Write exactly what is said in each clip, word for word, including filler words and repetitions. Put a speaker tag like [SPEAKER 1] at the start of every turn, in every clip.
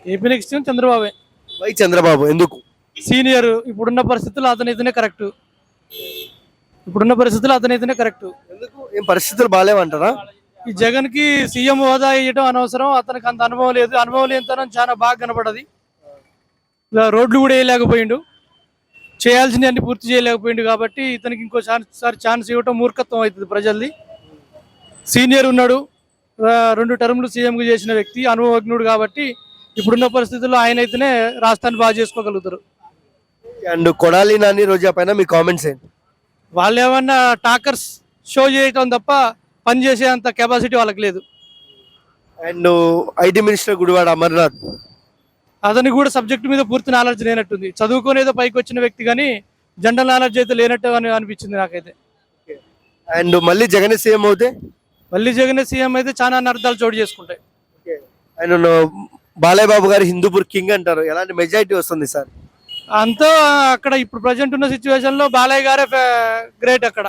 [SPEAKER 1] AP next చంద్రబాబే.
[SPEAKER 2] Why Chandrababu ఎందుకు?
[SPEAKER 1] Senior, ఇప్పుడున్న పరిస్థితుల్లో అతనైతేనే కరెక్ట్. ఇప్పుడున్న పరిస్థితుల్లో అతనైతేనే కరెక్ట్.
[SPEAKER 2] ఎందుకు? ఏం పరిస్థితులు బాగాలేవంటారా?
[SPEAKER 1] ఈ జగన్ కి సీఎం హోదా ఇవ్వడం అనవసరం. అతనికి అంత అనుభవం లేదు. అనుభవం లేనితనం చాలా బాగా కనపడది. ఇలా రోడ్లు కూడా వేయలేకపోయిండు, చేయాల్సిన అన్ని పూర్తి చేయలేకపోయిండు. కాబట్టి ఇతనికి ఇంకో ఛాన్స్ ఛాన్స్ ఇవ్వటం మూర్ఖత్వం అవుతుంది ప్రజల్ది. సీనియర్ ఉన్నాడు, రెండు టర్ములు సీఎంగా చేసిన వ్యక్తి, అనుభవజ్ఞుడు. కాబట్టి ఇప్పుడున్న పరిస్థితుల్లో ఆయన అయితేనే రాష్ట్రాన్ని బాగా చేసుకోగలుగుతారు.
[SPEAKER 2] అండ్ కొడాలి నాని రోజా పైన మీ కామెంట్స్ ఏంటి?
[SPEAKER 1] వాళ్ళు ఏమన్నా టాకర్స్ షో చేయటం తప్ప పని చేసే అంత కెపాసిటీ వాళ్ళకి లేదు.
[SPEAKER 2] And IT minister Gudivada Amarnath,
[SPEAKER 1] అతనికి కూడా సబ్జెక్ట్ మీద పూర్తి నాలెడ్జ్ లేనట్టుంది. చదువుకునేదో పైకి వచ్చిన వ్యక్తి కానీ జనరల్ నాలెడ్జ్ అయితే లేనట్టు అని అనిపించింది నాకైతే.
[SPEAKER 2] అండ్ మళ్ళీ జగన్ సీఎం అవుతే
[SPEAKER 1] మళ్ళీ జగన్ సీఎం అయితే చాలా అనర్థాలు చోటు చేసుకుంటాయి.
[SPEAKER 2] అండ్ బాలయ్య బాబు గారు హిందూపూర్ కింగ్ అంటారు, ఎలాంటి మెజారిటీ వస్తుంది సార్?
[SPEAKER 1] అంతా అక్కడ ఇప్పుడు ప్రజెంట్ ఉన్న సిచ్యువేషన్ లో బాలయ్య గారే గ్రేట్ అక్కడ.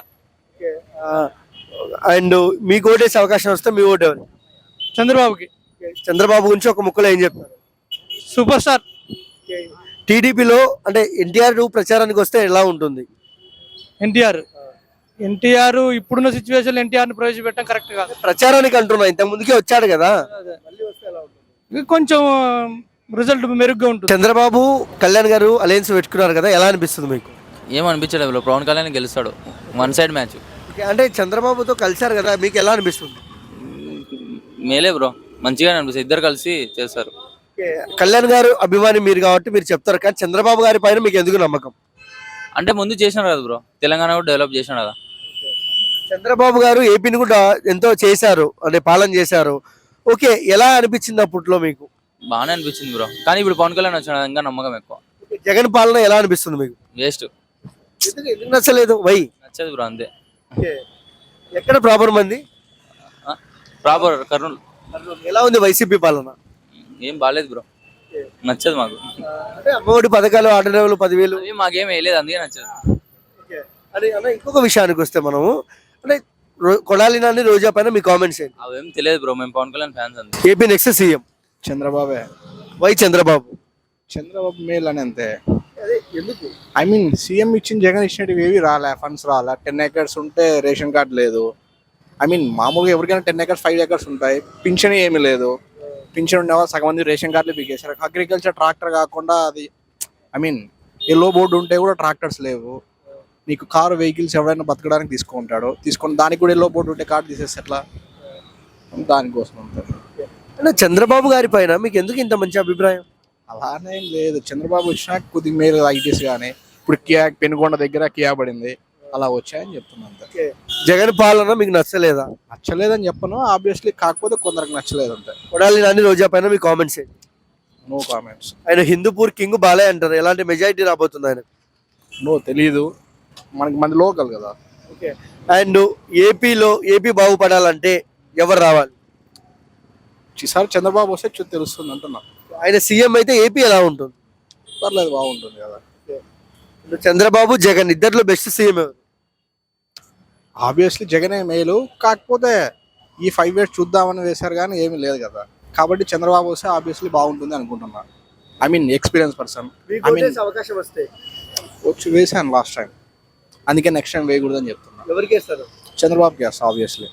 [SPEAKER 2] అండ్ మీకు ఓటేసే అవకాశం వస్తే మీ ఓటు ఎవరు?
[SPEAKER 1] చంద్రబాబుకి.
[SPEAKER 2] చంద్రబాబు గురించి ఒక ముక్కలో ఏం చెప్తారు?
[SPEAKER 1] Super star.
[SPEAKER 2] టీడీపీలో అంటే ఎన్టీఆర్ ప్రచారానికి వస్తే ఎలా ఉంటుంది?
[SPEAKER 1] ఎన్టీఆర్ ఎన్టీఆర్ ఇప్పుడున్న సిచ్యువేషన్ ఎన్టీఆర్ ని ప్రవేశపెట్టడం కరెక్ట్ కాదు.
[SPEAKER 2] ప్రచారానికి అంటున్నా, ఇంత ముందుకే వచ్చాడు కదా,
[SPEAKER 1] కొంచెం రిజల్ట్ మెరుగ్గా ఉంటుంది.
[SPEAKER 2] చంద్రబాబు కళ్యాణ్ గారు అలయన్స్ పెట్టుకున్నారు కదా, ఎలా అనిపిస్తుంది మీకు?
[SPEAKER 3] ఏమనిపించలేదు, పవన్ కళ్యాణ్ గెలుస్తాడు. One side match.
[SPEAKER 2] అంటే చంద్రబాబుతో కలిశారు కదా, మీకు ఎలా అనిపిస్తుంది?
[SPEAKER 3] మేలే బ్రో, మంచిగానే అనిపిస్తుంది. ఇద్దరు కలిసి చేస్తారు.
[SPEAKER 2] కళ్యాణ్ గారు అభిమాని మీరు కాబట్టి మీరు చెప్తారు, కానీ చంద్రబాబు గారి పైన మీకు ఎందుకు నమ్మకం?
[SPEAKER 3] అంటే ముందు చేసినారు కదా బ్రో, తెలంగాణ కూడా డెవలప్ చేసినాడు కదా.
[SPEAKER 2] చంద్రబాబు గారు ఏపీని కూడా ఎంతో చేశారు, అంటే పాలన చేశారు. ఓకే, ఎలా అనిపించింది అప్పట్లో మీకు?
[SPEAKER 3] బాగానే అనిపించింది బ్రో, కానీ ఇప్పుడు పవన్ కళ్యాణ్ వచ్చిన ఇంకా నమ్మకం ఎక్కువ.
[SPEAKER 2] జగన్ పాలన ఎలా అనిపిస్తుంది మీకు?
[SPEAKER 3] వేస్ట్.
[SPEAKER 2] ఎందుకు నచ్చలేదు? వై
[SPEAKER 3] నచ్చదు బ్రో, అంతే.
[SPEAKER 2] ఎక్కడ ప్రాపర్ మంది?
[SPEAKER 3] ప్రాపర్ కర్నూలు.
[SPEAKER 2] ఎలా ఉంది వైసీపీ పాలన?
[SPEAKER 3] ఏం బాగాలేదు బ్రో, నచ్చదు మాకు.
[SPEAKER 2] అంటే అమ్మఒడి పథకాలు, ఆటోలు పదివేలు
[SPEAKER 3] అవి మాకేం వేయలేదు, అందుకే నచ్చదు.
[SPEAKER 2] అదే అన్న, ఇంకొక విషయానికి వస్తే మనము అంటే కొడాలి నాని రోజా పైన మీ కామెంట్స్ ఏంటి?
[SPEAKER 3] అవేం తెలియదు బ్రో, మేము పవన్ కళ్యాణ్ ఫ్యాన్స్ అంతే.
[SPEAKER 2] ఏపీ నెక్స్ట్ సీఎం
[SPEAKER 4] చంద్రబాబే.
[SPEAKER 2] వై చంద్రబాబు?
[SPEAKER 4] చంద్రబాబు మేల్ అని అంతే.
[SPEAKER 2] ఎందుకు?
[SPEAKER 4] ఐ మీన్ సీఎం ఇచ్చిన జగన్ ఇచ్చినవి ఏవి రాలే, ఫండ్స్ రాలే. టెన్ ఏకర్స్ ఉంటే రేషన్ కార్డు లేదు. ఐ మీన్ మామూలుగా ఎవరికైనా టెన్ ఏకర్స్ ఫైవ్ ఏకర్స్ ఉంటాయి, పింఛన్ ఏమీ లేదు. పింఛన్ ఉండేవాళ్ళు సగం మంది రేషన్ కార్డులు బిగేశారు. అగ్రికల్చర్ ట్రాక్టర్ కాకుండా అది ఐ మీన్ ఎల్లో బోర్డు ఉంటే కూడా ట్రాక్టర్స్ లేవు. నీకు కారు వెహికల్స్ ఎవరైనా బతకడానికి తీసుకుంటాడు, తీసుకొని దానికి కూడా ఎల్లో బోర్డు ఉంటే కార్డు తీసేస్తే ఎట్లా? దానికోసం ఉంటుంది.
[SPEAKER 2] అంటే చంద్రబాబు గారి పైన మీకు ఎందుకు ఇంత మంచి అభిప్రాయం?
[SPEAKER 4] అలానే లేదు, చంద్రబాబు వచ్చినా కొద్దిగా మేలు ఐటీస్ కానీ ఇప్పుడు కియా పెనుగొండ దగ్గర కియా పడింది, అలా వచ్చాయని చెప్తున్నాను.
[SPEAKER 2] జగన్ పాలన మీకు నచ్చలేదా?
[SPEAKER 4] నచ్చలేదని చెప్పను ఆబ్వియస్లీ, కాకపోతే కొందరికి నచ్చలేదు అంతే.
[SPEAKER 2] కొడాలి నాని రోజా పైన మీ కామెంట్స్ ఏంటి?
[SPEAKER 4] No comments.
[SPEAKER 2] ఆయన హిందూపూర్ కింగ్ బాలయ్య అంటారు, ఎలాంటి మెజారిటీ రాబోతుంది ఆయన?
[SPEAKER 4] నో తెలీదు, మనకి మంది లోకల్ కదా.
[SPEAKER 2] ఓకే. అండ్ ఏపీలో ఏపీ బాగుపడాలంటే ఎవరు రావాలి?
[SPEAKER 4] ఈసారి చంద్రబాబు వస్తే చూ తెలుస్తుంది అంటున్నా.
[SPEAKER 2] ఆయన సీఎం అయితే ఏపీ ఎలా ఉంటుంది?
[SPEAKER 4] పర్లేదు, బాగుంటుంది కదా.
[SPEAKER 2] చంద్రబాబు జగన్ ఇద్దరిలో బెస్ట్ సీఎం ఎవరు?
[SPEAKER 4] ఆబ్వియస్లీ జగనే మేలు, కాకపోతే ఈ ఫైవ్ ఇయర్స్ చూద్దామని వేశారు కానీ ఏమీ లేదు కదా. కాబట్టి చంద్రబాబు వస్తే ఆబ్వియస్లీ బాగుంటుంది అనుకుంటున్నా. I mean experience person. I mean
[SPEAKER 2] అవకాశం వస్తే
[SPEAKER 4] వచ్చి వేసాను లాస్ట్ టైం, అందుకే నెక్స్ట్ టైం వేయకూడదని చెప్తున్నా.
[SPEAKER 2] ఎవరికి వేస్తారు?
[SPEAKER 4] చంద్రబాబుకి వేస్తా ఆబ్వియస్లీ.